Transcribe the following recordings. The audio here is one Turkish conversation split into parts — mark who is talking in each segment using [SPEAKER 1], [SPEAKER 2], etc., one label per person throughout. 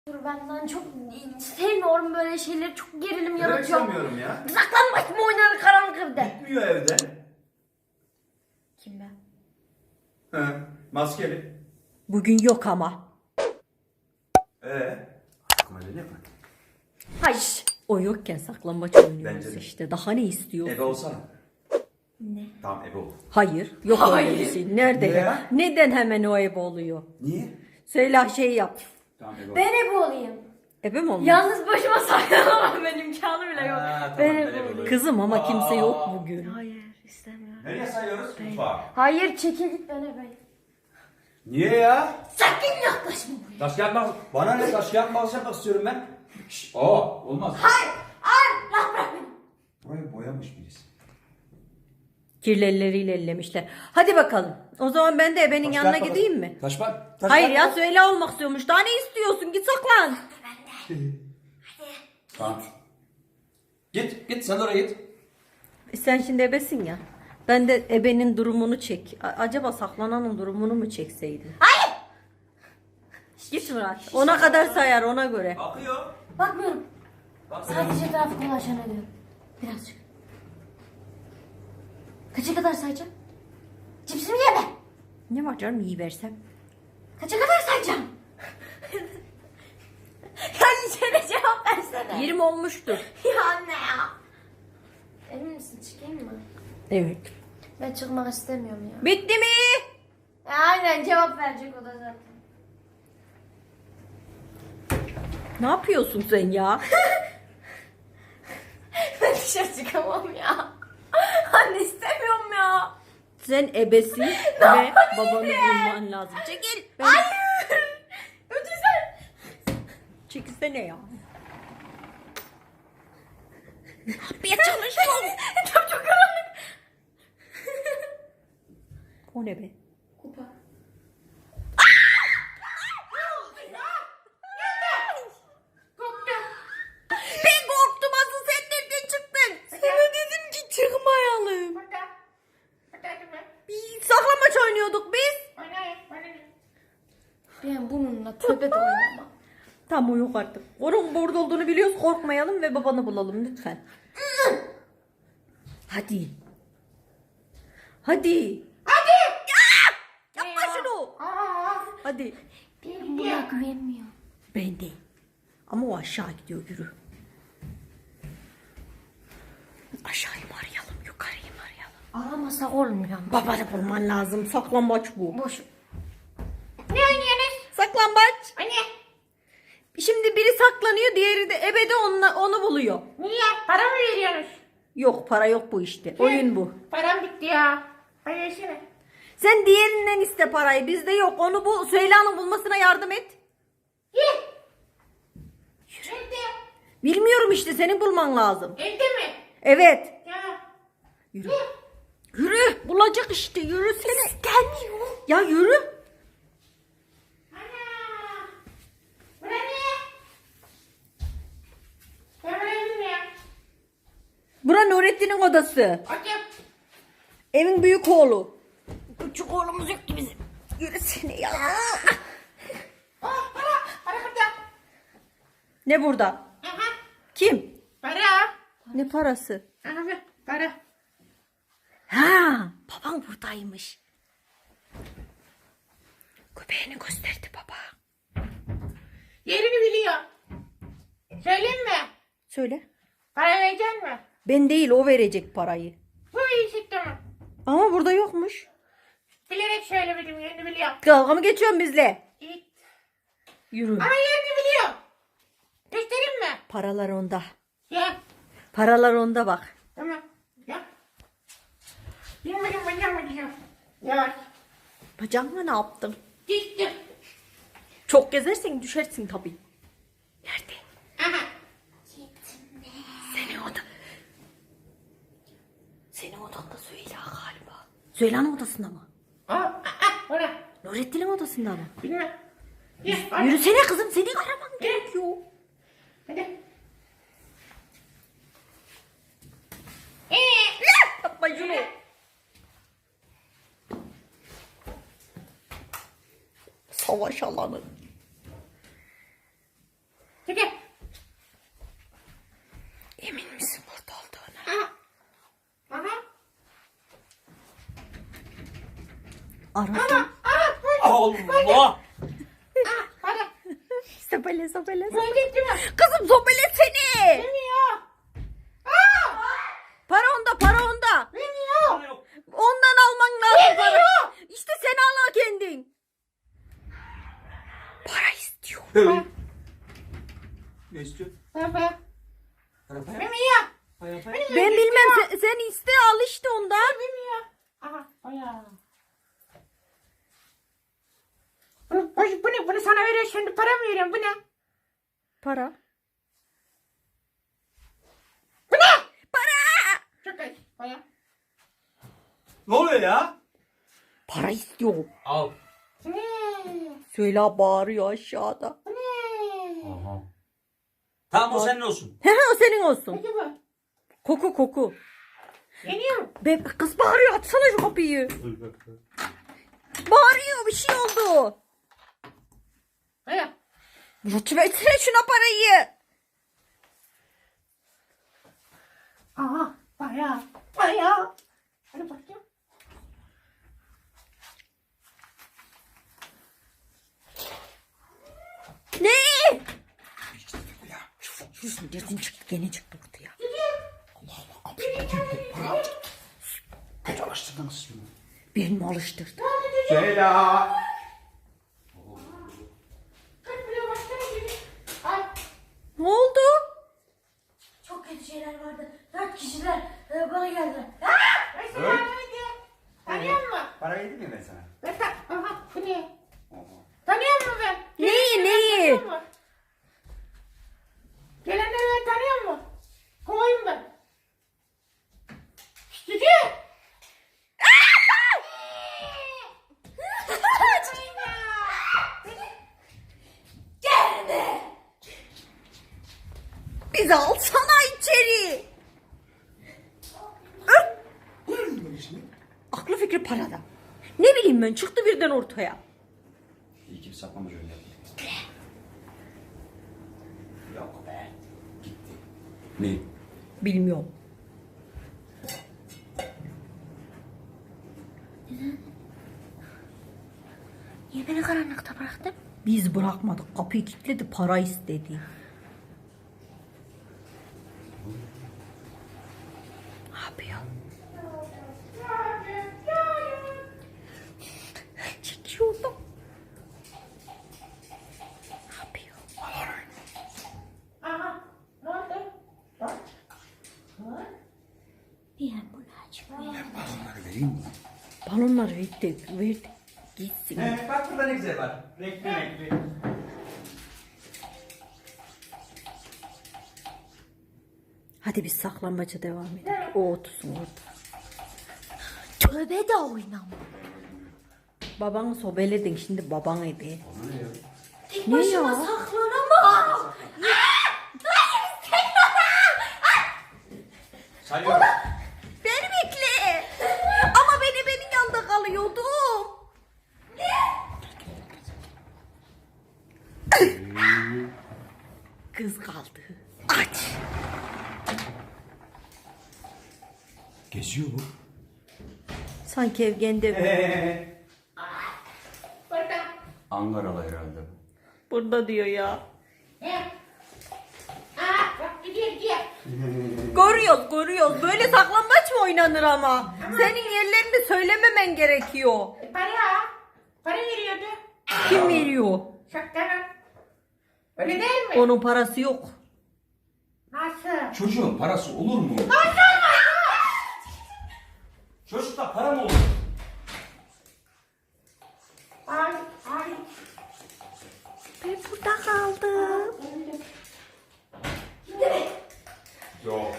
[SPEAKER 1] Benden çok sevmiyorum böyle şeyleri, çok gerilim
[SPEAKER 2] Ben
[SPEAKER 1] yaratıyor.
[SPEAKER 2] sevmiyorum ya.
[SPEAKER 1] Saklanmaç mı oynanır karanlık evde?
[SPEAKER 2] Gitmiyor evden.
[SPEAKER 1] Kim ben?
[SPEAKER 2] He, maskeli.
[SPEAKER 3] Bugün yok ama.
[SPEAKER 2] Aklıma geliyor mu?
[SPEAKER 3] Hayır. O yokken saklambaç oynuyoruz
[SPEAKER 2] Bence de.
[SPEAKER 3] işte. Daha ne istiyorsun?
[SPEAKER 2] Ebe olsana.
[SPEAKER 1] Ne?
[SPEAKER 2] Tamam ebe ol.
[SPEAKER 3] Hayır. Yok öyle bir şey. Nerede
[SPEAKER 2] Niye
[SPEAKER 3] ya?
[SPEAKER 2] ya?
[SPEAKER 3] Neden hemen o ebe oluyor?
[SPEAKER 2] Niye?
[SPEAKER 3] Söyle şey yap.
[SPEAKER 2] Tamam ebe ol.
[SPEAKER 1] Ben ebe olayım.
[SPEAKER 3] Ebe mi olmuş?
[SPEAKER 1] Yalnız başıma saklanamam, benim imkanı bile yok.
[SPEAKER 2] Ha, tamam,
[SPEAKER 1] Ben
[SPEAKER 2] ben
[SPEAKER 1] ebe
[SPEAKER 2] ebe
[SPEAKER 1] olayım.
[SPEAKER 2] olayım.
[SPEAKER 3] Kızım ama kimse yok bugün.
[SPEAKER 1] Hayır, istemiyorum.
[SPEAKER 2] Nereye sayıyoruz? Mutfağa.
[SPEAKER 1] Hayır, çekil git, ben ebeyim.
[SPEAKER 2] Niye ya?
[SPEAKER 1] Sakın yaklaşma buraya.
[SPEAKER 2] Taş kağıt makas. Bana ne taş kağıt makas yapmak istiyorum ben. Şşş. Olmaz.
[SPEAKER 1] Hayır, rahat bırak beni.
[SPEAKER 2] Burayı boyamış birisi.
[SPEAKER 3] Kirli elleriyle ellemişler. Hadi bakalım. O zaman ben de ebenin
[SPEAKER 2] Taş
[SPEAKER 3] yanına
[SPEAKER 2] kağıt makas.
[SPEAKER 3] gideyim mi?
[SPEAKER 2] Taş bak. Taş
[SPEAKER 3] Hayır
[SPEAKER 2] kağıt
[SPEAKER 3] ya,
[SPEAKER 2] makas.
[SPEAKER 3] söyle olmak istiyormuş. Daha ne istiyorsun? Git saklan.
[SPEAKER 2] Tamam. Git sen oraya git.
[SPEAKER 3] Sen şimdi ebesin ya. Ben de ebenin durumunu çek. Acaba saklananın durumunu mu çekseydin?
[SPEAKER 1] Hayır.
[SPEAKER 3] Git Murat. Ona kadar sayar, ona göre.
[SPEAKER 2] Bakıyor.
[SPEAKER 1] Bakmıyorum.
[SPEAKER 2] Bak.
[SPEAKER 1] Sadece etrafı dolaşan ediyorum. Birazcık. Kaça kadar sayacağım? Cipsimi yeme.
[SPEAKER 3] Ne var canım, iyi versem.
[SPEAKER 1] Kaça kadar sayacağım? Ya içeri cevap versene.
[SPEAKER 3] 20 olmuştur.
[SPEAKER 1] Ya anne ya. Emin misin, çıkayım mı?
[SPEAKER 3] Evet.
[SPEAKER 1] Ben çıkmak istemiyorum ya.
[SPEAKER 3] Bitti mi?
[SPEAKER 1] Aynen, cevap verecek o da zaten.
[SPEAKER 3] Ne yapıyorsun sen ya?
[SPEAKER 1] Ben dışarı çıkamam ya. Anne, istemiyorum ya.
[SPEAKER 3] Sen ebesin ve babanı bulman lazım. Çekil.
[SPEAKER 1] Hayır. Ötürsen.
[SPEAKER 3] Çekilsene ya. Yapmaya çalışma.
[SPEAKER 1] Çok karanlık.
[SPEAKER 3] O ne be?
[SPEAKER 1] Kupa.
[SPEAKER 3] Ben korktum, asıl sen nereden çıktın? Sana dedim ki çıkmayalım. Bir saklambaç oynuyorduk biz.
[SPEAKER 1] Ben bununla tövbe de oynamam.
[SPEAKER 3] Tamam, o yok artık. Onun burada olduğunu biliyoruz, korkmayalım ve babanı bulalım lütfen. Hadi. Hadi. Yapma şunu. Hadi.
[SPEAKER 1] Ben buna güvenmiyorum.
[SPEAKER 3] Ben de. Ama o aşağı gidiyor, yürü. Aşağıyı mı arayalım, yukarıyı mı arayalım?
[SPEAKER 1] Aramasak olmuyor.
[SPEAKER 3] Babanı bulman lazım. Saklambaç bu.
[SPEAKER 1] Boş. Ne oynuyorsunuz?
[SPEAKER 3] Saklambaç.
[SPEAKER 1] Anne.
[SPEAKER 3] Şimdi biri saklanıyor, diğeri de ebede onu buluyor.
[SPEAKER 1] Niye? Para mı veriyorsunuz?
[SPEAKER 3] Yok, para yok bu işte. Oyun bu.
[SPEAKER 1] Param bitti ya. Hadi versene.
[SPEAKER 3] Sen diğerinden iste parayı. Bizde yok. Onu bu Süheyla'nın bulmasına yardım et.
[SPEAKER 1] Ye. Nerede?
[SPEAKER 3] Bilmiyorum işte, senin bulman lazım.
[SPEAKER 1] Evde mi?
[SPEAKER 3] Evet.
[SPEAKER 1] Ya.
[SPEAKER 3] Yürü. Yürü. Bulacak işte. Yürüsene. Gelmiyor. Ya yürü.
[SPEAKER 1] Ana. Bu ne? Ben buraya ya.
[SPEAKER 3] Bura Nurettin'in odası.
[SPEAKER 1] Açım.
[SPEAKER 3] Evin büyük oğlu. Küçük oğlumuz yok ki bizim. Yürüsene ya.
[SPEAKER 1] Para burada.
[SPEAKER 3] Ne burada?
[SPEAKER 1] Aha.
[SPEAKER 3] Kim?
[SPEAKER 1] Para.
[SPEAKER 3] Ne parası?
[SPEAKER 1] Aha, para.
[SPEAKER 3] Ha, baban buradaymış. Köpeğini gösterdi baba.
[SPEAKER 1] Yerini biliyor. Söyleyeyim mi?
[SPEAKER 3] Söyle.
[SPEAKER 1] Para verecek mi?
[SPEAKER 3] Ben değil, o verecek parayı.
[SPEAKER 1] Bu iyi çıktı mı?
[SPEAKER 3] Ama burada yokmuş.
[SPEAKER 1] Bilerek söylemedim, yerini biliyor.
[SPEAKER 3] Dalga mı geçiyorsun bizle?
[SPEAKER 1] İyi.
[SPEAKER 3] Yürü.
[SPEAKER 1] Ama yerini biliyor. Göstereyim mi?
[SPEAKER 3] Paralar onda.
[SPEAKER 1] Ya.
[SPEAKER 3] Paralar onda bak.
[SPEAKER 1] Tamam. Ya. Bilmedim, bacağım. Yavaş.
[SPEAKER 3] Bacağınla ne yaptın?
[SPEAKER 1] Düştüm.
[SPEAKER 3] Çok gezersen düşersin tabii. Nerede?
[SPEAKER 1] Aha.
[SPEAKER 3] Senin oda. Senin odanda Süheyla galiba. Süheyla'nın odasında mı?
[SPEAKER 1] Orada.
[SPEAKER 3] Nurettin'in odasında mı?
[SPEAKER 1] Bilmem. Ya, hadi.
[SPEAKER 3] Yürüsene kızım, seni araman gerekiyor.
[SPEAKER 1] Hadi.
[SPEAKER 3] Yapma şunu. Savaş alanı.
[SPEAKER 1] Çekil.
[SPEAKER 3] Emin misin burada olduğuna?
[SPEAKER 1] Aha.
[SPEAKER 3] Aradım.
[SPEAKER 2] Allah!
[SPEAKER 1] Hadi.
[SPEAKER 3] Sobele sobele.
[SPEAKER 1] Ben gittim.
[SPEAKER 3] Kızım sobele seni.
[SPEAKER 1] Bilmiyor.
[SPEAKER 3] Para onda para onda.
[SPEAKER 1] Bilmiyor.
[SPEAKER 3] Ondan alman lazım para.
[SPEAKER 1] Bilmiyor.
[SPEAKER 3] İşte sen al kendin. Para istiyor.
[SPEAKER 2] Ne istiyor?
[SPEAKER 1] Baba.
[SPEAKER 2] Para.
[SPEAKER 1] Bilmiyor.
[SPEAKER 3] Ben bilmem sen iste al işte ondan.
[SPEAKER 1] Bilmiyor. Aha. Aya. Bunu sana veriyor şimdi para mı veriyorum bu ne?
[SPEAKER 3] Para.
[SPEAKER 1] Bu ne?
[SPEAKER 3] Para.
[SPEAKER 1] Çok ay. Aya.
[SPEAKER 2] Ne oluyor ya?
[SPEAKER 3] Para istiyor.
[SPEAKER 2] Al.
[SPEAKER 1] Bu ne?
[SPEAKER 3] Söyle bağırıyor aşağıda.
[SPEAKER 1] Bu ne?
[SPEAKER 2] Aha. Tamam o senin olsun.
[SPEAKER 3] He o senin olsun.
[SPEAKER 1] Peki bu.
[SPEAKER 3] Koku koku.
[SPEAKER 1] Geliyor.
[SPEAKER 3] Be kız bağırıyor açsana şu kapıyı. Bağırıyor bir şey oldu.
[SPEAKER 1] Aya.
[SPEAKER 3] Lütfetsene şuna parayı.
[SPEAKER 1] Aha. Aya. Aya. Hadi bakayım.
[SPEAKER 3] Ne? Yürüsün dersin çıktı gene çıktı ortaya.
[SPEAKER 2] Kaç alıştırdınız şimdi?
[SPEAKER 3] Birini mi alıştırdı?
[SPEAKER 2] Söyle.
[SPEAKER 3] Ne oldu?
[SPEAKER 1] Çok kötü şeyler vardı. 4 kişiler bana geldiler.
[SPEAKER 2] Evet.
[SPEAKER 1] Tanıyor musun?
[SPEAKER 2] Para verdim mi ben sana?
[SPEAKER 1] Aha bu ne? Tanıyor musun ben?
[SPEAKER 3] Neyi neyi?
[SPEAKER 1] Tanıyor musun? Gelenleri ben tanıyor musun? Kovayım ben. Cici. Gelme.
[SPEAKER 3] Bizi alsana içeri. Aklı fikri parada. Ne bileyim ben çıktı birden ortaya.
[SPEAKER 2] İyi ki bir saklamaca öyle yaptı. Yok be. Gitti. Ne?
[SPEAKER 3] Bilmiyorum.
[SPEAKER 1] Niye beni karanlıkta bıraktın?
[SPEAKER 3] Biz bırakmadık. Kapıyı kilitledi para istedi. Ne yapıyor? Çekiyordum. Ne yapıyor?
[SPEAKER 1] Aha. Ne oldu? Niye bunu açmıyor?
[SPEAKER 2] Balonları vereyim mi?
[SPEAKER 3] Balonları verdi. Gitsin.
[SPEAKER 2] He, bak burada ne güzel var. Renkli renkli.
[SPEAKER 3] Hadi biz saklambaca devam edelim. O otursun orada. Tövbe de oynama. Babanı sobeledin şimdi baban ebe.
[SPEAKER 1] Tek
[SPEAKER 3] Ne
[SPEAKER 1] başıma
[SPEAKER 3] ya?
[SPEAKER 1] saklanamam.
[SPEAKER 2] Sayıyorum.
[SPEAKER 3] Beni bekle. Ama ben ebenin yanında kalıyordum. Kız kaldı. Aç.
[SPEAKER 2] Geziyor bu.
[SPEAKER 3] Sanki evgende
[SPEAKER 1] Burada.
[SPEAKER 2] Ankaralı herhalde.
[SPEAKER 3] burada diyor ya.
[SPEAKER 1] Ne? Bak gidiyor.
[SPEAKER 3] Görüyoruz. Böyle saklambaç mı oynanır ama? Senin yerlerini söylememen gerekiyor.
[SPEAKER 1] Para veriyordu.
[SPEAKER 3] Kim veriyor?
[SPEAKER 1] Şaktanın. Öyle değil mi?
[SPEAKER 3] Onun parası yok.
[SPEAKER 1] Nasıl?
[SPEAKER 2] Çocuğun parası olur mu? Çocukta para mı olur?
[SPEAKER 1] Ay.
[SPEAKER 3] Ben burada kaldım.
[SPEAKER 2] Yok.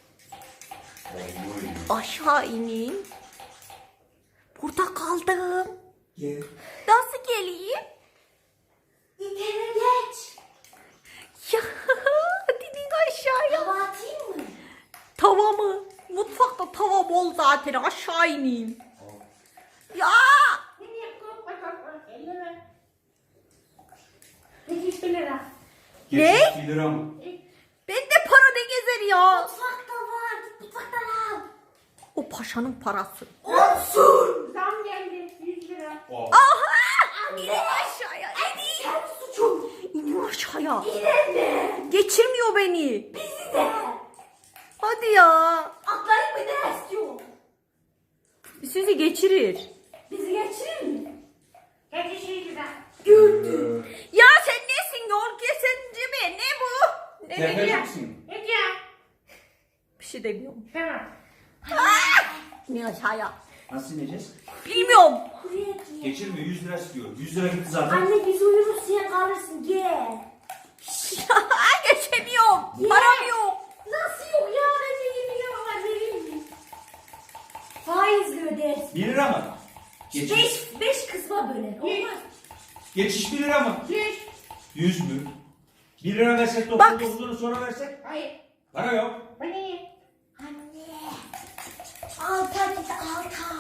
[SPEAKER 3] Aşağı ineyim. Burada kaldım.
[SPEAKER 2] Gel.
[SPEAKER 3] Nasıl geleyim?
[SPEAKER 1] İtene geç.
[SPEAKER 3] Ya dedin aşağıya.
[SPEAKER 1] Hava atayım mı?
[SPEAKER 3] Tava mı? Mutfakta tava bol zaten aşağı ineyim. Ya
[SPEAKER 1] Niye korkma. 50 lira. 2 lira.
[SPEAKER 2] Geçiş 1 lira mı?
[SPEAKER 3] Bende para ne gezer ya?
[SPEAKER 1] Mutfakta var. Mutfaktan al.
[SPEAKER 3] O paşanın parası.
[SPEAKER 1] Olsun. Zam geldi. 100 lira.
[SPEAKER 2] Oh.
[SPEAKER 3] Aha! İnin aşağıya.
[SPEAKER 1] Sen suçum.
[SPEAKER 3] İnin aşağıya.
[SPEAKER 1] Yine
[SPEAKER 3] Geçirmiyor beni.
[SPEAKER 1] bizi de.
[SPEAKER 3] Hadi ya.
[SPEAKER 1] Atlayıp mı ne istiyor?
[SPEAKER 3] Sizi geçirir.
[SPEAKER 1] Bizi geçirir mi? Geçişi güzel.
[SPEAKER 2] Gördüm.
[SPEAKER 3] Ya sen nesin? Yol kesinci mi? Ne bu? Ne
[SPEAKER 2] Tefeci
[SPEAKER 3] diyor?
[SPEAKER 2] misin?
[SPEAKER 1] Ne diyor?
[SPEAKER 3] Bir şey demiyorum.
[SPEAKER 1] Tamam.
[SPEAKER 3] İnin aşağıya.
[SPEAKER 2] Nasıl ineceğiz?
[SPEAKER 3] Bilmiyorum.
[SPEAKER 1] Buraya gel.
[SPEAKER 2] Geçirme 100 lira istiyor. 100 lira gitti zaten.
[SPEAKER 1] Anne biz uyuruz sen kalırsın gel.
[SPEAKER 3] Geçemiyorum. Param yok.
[SPEAKER 1] Nasıl yok ya? Bence 20 lira var verir mi? Faizle ödersin.
[SPEAKER 2] 1 lira mı? Geçiş.
[SPEAKER 1] 5 kısma böler. Olmaz.
[SPEAKER 2] Geçiş 1 lira mı?
[SPEAKER 1] 100.
[SPEAKER 2] 100 mü? 1 lira versek
[SPEAKER 3] Bak.
[SPEAKER 2] 99'unu sonra versek?
[SPEAKER 1] Hayır.
[SPEAKER 2] Para yok.
[SPEAKER 1] Anne. Anne. Alta git alta.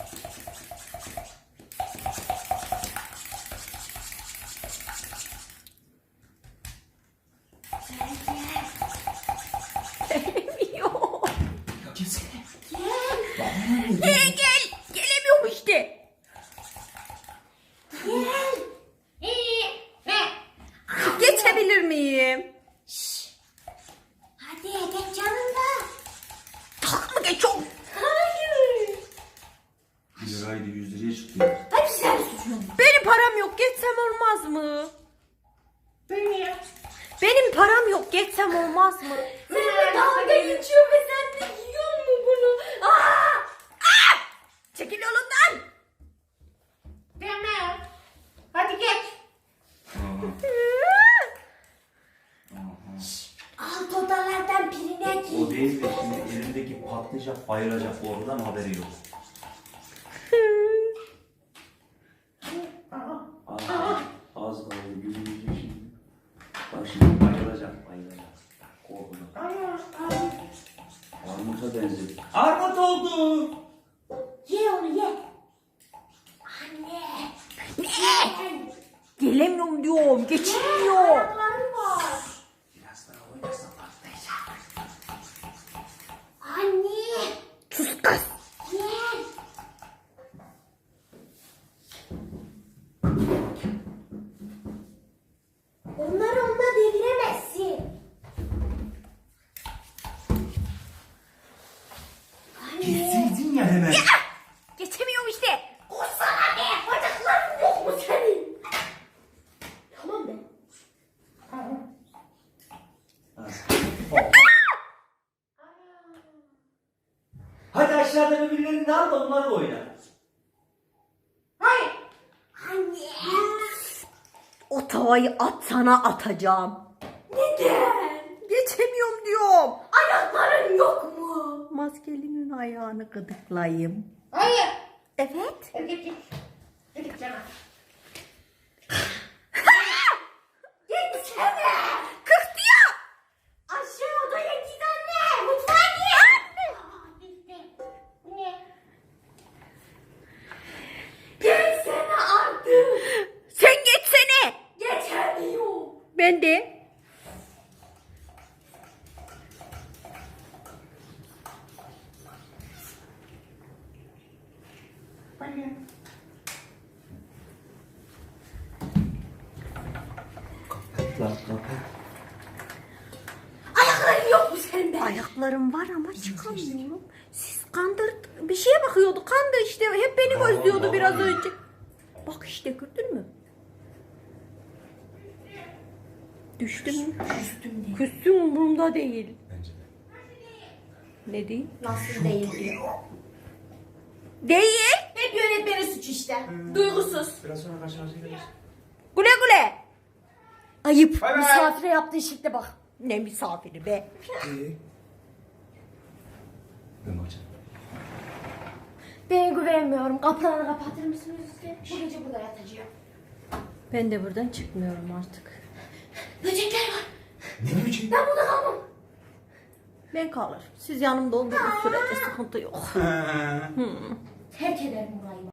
[SPEAKER 3] Gelemiyor.
[SPEAKER 2] Ya gelsene.
[SPEAKER 1] Gel.
[SPEAKER 3] Gel. Gelemiyorum işte.
[SPEAKER 1] Gel. Ne?
[SPEAKER 3] Geçebilir miyim?
[SPEAKER 1] Hadi geç yanında.
[SPEAKER 3] Tak mı geçiyorum?
[SPEAKER 1] Hayır.
[SPEAKER 2] 1 liraydı 100 liraya çıktı.
[SPEAKER 1] Hep sen suçun.
[SPEAKER 3] Benim param yok. Geçsem olmaz mı?
[SPEAKER 1] Beni yap.
[SPEAKER 3] Benim param yok. Geçsem olmaz mı?
[SPEAKER 1] Seninle dalga geçiyor ve sen de yiyor mu bunu? Aa!
[SPEAKER 3] Çekil yolundan.
[SPEAKER 1] Deme. Hadi geç. Alt odalardan birine
[SPEAKER 2] O
[SPEAKER 1] gir.
[SPEAKER 2] değil de şimdi elindeki patlayacak, bayılacak oradan haberi yok. Az kaldı gülmeyecek şimdi. Bak şimdi bayılacak, bayılacak. Korkudan. Armut'a benzedi. Armut oldu.
[SPEAKER 1] Ye onu ye. Anne. Ne?
[SPEAKER 3] Gelemiyorum diyorum. Geçilmiyor.
[SPEAKER 1] Ayakları var.
[SPEAKER 2] Biraz daha oynasam patlayacak.
[SPEAKER 1] Anne.
[SPEAKER 3] Sus kız.
[SPEAKER 1] Gel. Onları onunla deviremezsin. Anne.
[SPEAKER 2] Girseydin ya hemen.
[SPEAKER 3] Geçemiyorum işte.
[SPEAKER 1] Koşsana be. Bacakların yok mu senin? Tamam be.
[SPEAKER 2] Hadi aşağıda birbirlerini al da onlarla oyna.
[SPEAKER 1] Hayır. Anne.
[SPEAKER 3] O tavayı at sana atacağım.
[SPEAKER 1] Neden?
[SPEAKER 3] Geçemiyorum diyorum.
[SPEAKER 1] Ayakların yok mu?
[SPEAKER 3] Maskelinin ayağını gıdıklayayım.
[SPEAKER 1] Hayır.
[SPEAKER 3] Evet.
[SPEAKER 1] Hadi git. Hadi git canım. Gitsene.
[SPEAKER 3] Kıktı ya.
[SPEAKER 1] Aşağı odaya git anne. Mutfağa git. Aa, bitti. Ne? Gelsene artık.
[SPEAKER 3] Sen geçsene.
[SPEAKER 1] Geçemiyor.
[SPEAKER 3] Ben de.
[SPEAKER 1] Ayakların yok mu senin be?
[SPEAKER 3] Ayaklarım var ama çıkamıyorum. Siz bir şeye bakıyordu. Kandı işte. Hep beni gözlüyordu biraz önce. Bak işte gördün mü? Düştüm mü?
[SPEAKER 1] Üstümde.
[SPEAKER 3] Küstüm umurumda değil.
[SPEAKER 2] Bence de.
[SPEAKER 3] Ne değil?
[SPEAKER 1] Nasıl değil diyor.
[SPEAKER 3] Değil.
[SPEAKER 1] Hep yönetmenin suçu işte. Duygusuz.
[SPEAKER 2] Biraz sonra karşılaşacağız.
[SPEAKER 3] Güle güle. Ayıp.
[SPEAKER 2] Bay bay.
[SPEAKER 1] Misafire yaptığı şekle bak.
[SPEAKER 3] Ne misafiri be.
[SPEAKER 2] Ben bakacağım.
[SPEAKER 1] Ben güvenmiyorum. Kapıları kapatır mısınız lütfen? Bu gece burada yatacağım.
[SPEAKER 3] Ben de buradan çıkmıyorum artık.
[SPEAKER 1] Böcekler var.
[SPEAKER 2] Ne biçim?
[SPEAKER 1] Ben burada kalmam.
[SPEAKER 3] Ben kalır. Siz yanımda olduğunuz sürece sıkıntı yok.
[SPEAKER 1] Terk ederim burayı.